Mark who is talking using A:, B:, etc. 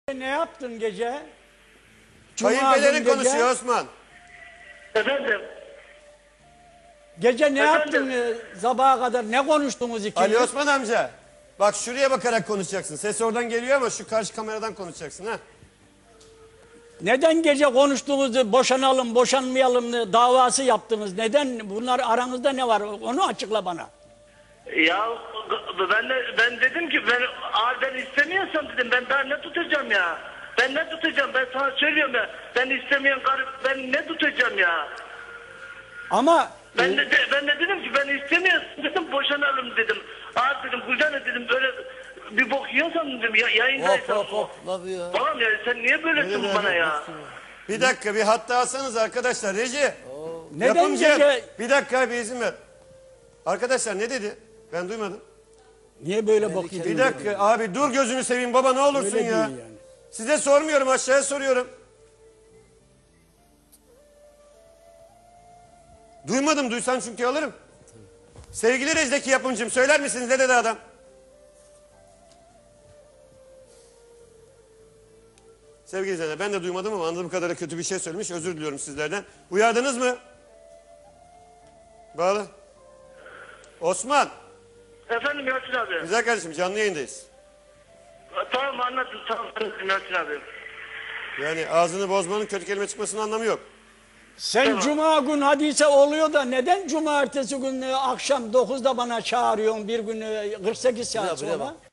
A: Ne yaptın gece?
B: Kayınpederin
A: gece.
B: konuşuyor Osman.
C: Efendim?
A: Gece ne
C: Efendim?
A: yaptın sabaha kadar? Ne konuştunuz ikiniz?
B: Ali Osman amca. Bak şuraya bakarak konuşacaksın. Ses oradan geliyor ama şu karşı kameradan konuşacaksın ha.
A: Neden gece konuştuğunuzda boşanalım, boşanmayalım davası yaptınız? Neden? Bunlar aranızda ne var? Onu açıkla bana.
C: Ya ben dedim ki ben istemiyorsam dedim ben daha ne tutacağım ya? Ben ne tutacağım? Ben sana söylüyorum ya. Ben istemeyen karı ben ne tutacağım ya?
A: Ama
C: Ben de dedim ki ben istemiyorsam dedim boşanalım dedim. Abi dedim Gülcan'a dedim böyle bir bok yiyorsan dedim yayındaysan.
D: Hop ne yapıyor?
C: Babam ya sen niye böylesin bana ya?
B: Bir dakika bir hatta alsanız arkadaşlar. Reji.
A: neden
B: Yapımcı.
A: gece...
B: Bir dakika bir izin ver. Arkadaşlar ne dedi? Ben duymadım.
A: Niye böyle bok yedin?
B: Bir dakika abi dur gözünü seveyim baba ne olursun
A: Öyle
B: ya.
A: değil yani.
B: Size sormuyorum aşağıya soruyorum. Duymadım duysan çünkü alırım. Sevgili Rejdeki yapımcım söyler misiniz ne dedi adam? Sevgili izleyenler ben de duymadım ama anladığım kadarıyla kötü bir şey söylemiş. Özür diliyorum sizlerden. Uyardınız mı? Bağlı. Osman.
C: Efendim Yasin abi.
B: Güzel kardeşim canlı yayındayız.
C: Tamam anladım tamam Yasin abi.
B: Yani ağzını bozmanın kötü kelime çıkmasının anlamı yok.
A: Sen
C: Tamam.
A: cuma gün hadise oluyor da neden cumartesi günü akşam 9'da bana çağırıyorsun bir gün 48 saat
D: Buraya
A: sonra?
D: bak.